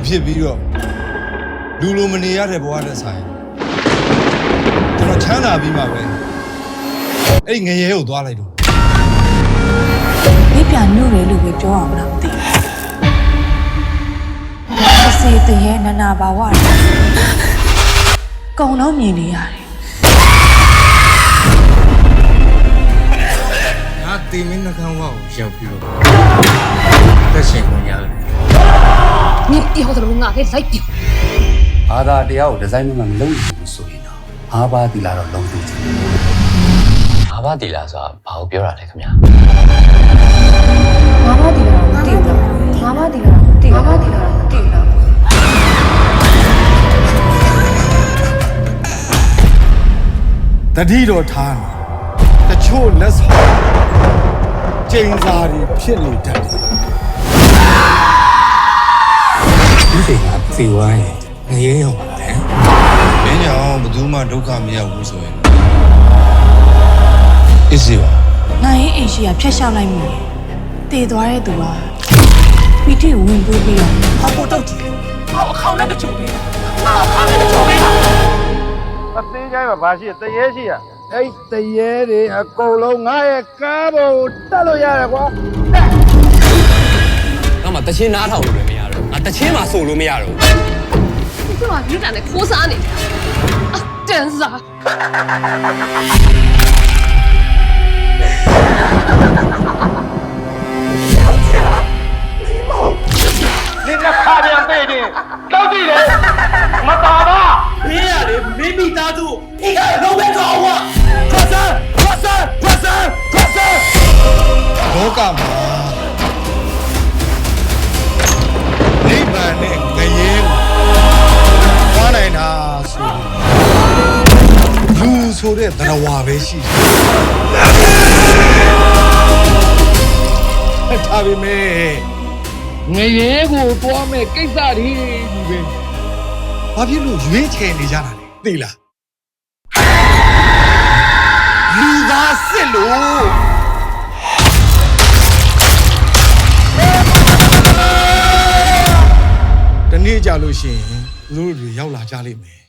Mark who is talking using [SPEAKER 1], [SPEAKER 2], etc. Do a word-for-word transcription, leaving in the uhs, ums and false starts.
[SPEAKER 1] ဖြစ်ပြီးတော့လူလိုမနေရတဲ့ဘဝနဲ့ဆိုင်ကျွန်တော်ချမ်းသာပြီးမှပဲအဲ့ငရဲကိုသွားလိုက်တော့
[SPEAKER 2] မိပြန်ညို့တယ်လို့ပဲပြောအောင်လားမသိဘူးအစေတရေနနာဘာဝကုံတော့မြင်နေရတယ်
[SPEAKER 1] ငါတင်မင်းနှကန်းဝါကိုရောက်ပြီးတော့တက်ရှင်ခွင့်ရတယ်
[SPEAKER 3] 你以后怎么我给来丢？
[SPEAKER 4] ဘာသာတရားကိုဒီဇိုင်းမှမလုပ်ဘူးဆိုရင်တော့အာဘာတီလာတော့လုံးသိချင်တယ်
[SPEAKER 5] အာဘာတီလာဆိုတာဘာကိုပြောတာလဲခင်ဗျာ
[SPEAKER 2] ငါမတီလာတော့မသိဘူးငါမတီလာတော့မသိဘူးငါမတီလာတော့မသိဘူး
[SPEAKER 1] တတိတော်ထားတယ်တချို့လက်ဆောင်ကျင်းစားတွေဖြစ်နေတတ်တယ်
[SPEAKER 4] ဒီစိတ်ကသေဝိုင်းငရဲရောက်ပါလေ
[SPEAKER 1] မင်းကြောင့်ဘယ်သူမှဒုက္ခမရောက်ဘူးဆိုရင်အစ်စီပါ
[SPEAKER 2] နိုင်ရင်အိမ်ရှိကဖျက်ရှောက်လိုက်မိတယ်တည်သွားတဲ့သူကပီတိဝင်ပွေးပြီးတော့
[SPEAKER 6] 好不斗鸡，好靠那个酒杯，好靠那个酒杯啊！
[SPEAKER 7] အသေးချိုင်းမှာဘာရှိတရေရှိရအဲ့တရေတွေအကုန်လုံးငါရဲ့ကားပေါ်တက်လို့ရတယ်ကွာ
[SPEAKER 5] ငါမှတချင်းနားထောင်လို့လည်းမရတော့ငါတချင်းမှဆိုလို့မရတော့
[SPEAKER 3] 你干嘛你在那哭啥呢？啊，真是啊！
[SPEAKER 7] 你那卡边背的到底嘞没打吧
[SPEAKER 6] 别呀嘞，没米打住，你看老板搞我，快生，快生，快生，快生！
[SPEAKER 1] လောကမှာနိဗ္ဗာန်နဲ့ငရဲသွားနိုင်တာဆိုလူဆိုတဲ့သရဝါပဲရှိတယ်ဒါပေမဲ့ငရဲကိုသွားမဲ့ကိစ္စတွေကြီးပဲဘာဖြစ်လို့ရွေးချယ်နေကြတာလဲသိလားလူသားစစ်လို့တနေ့ကြလို့ရှိရင်သူတို့တွေရောက်လာကြလိမ့်မယ်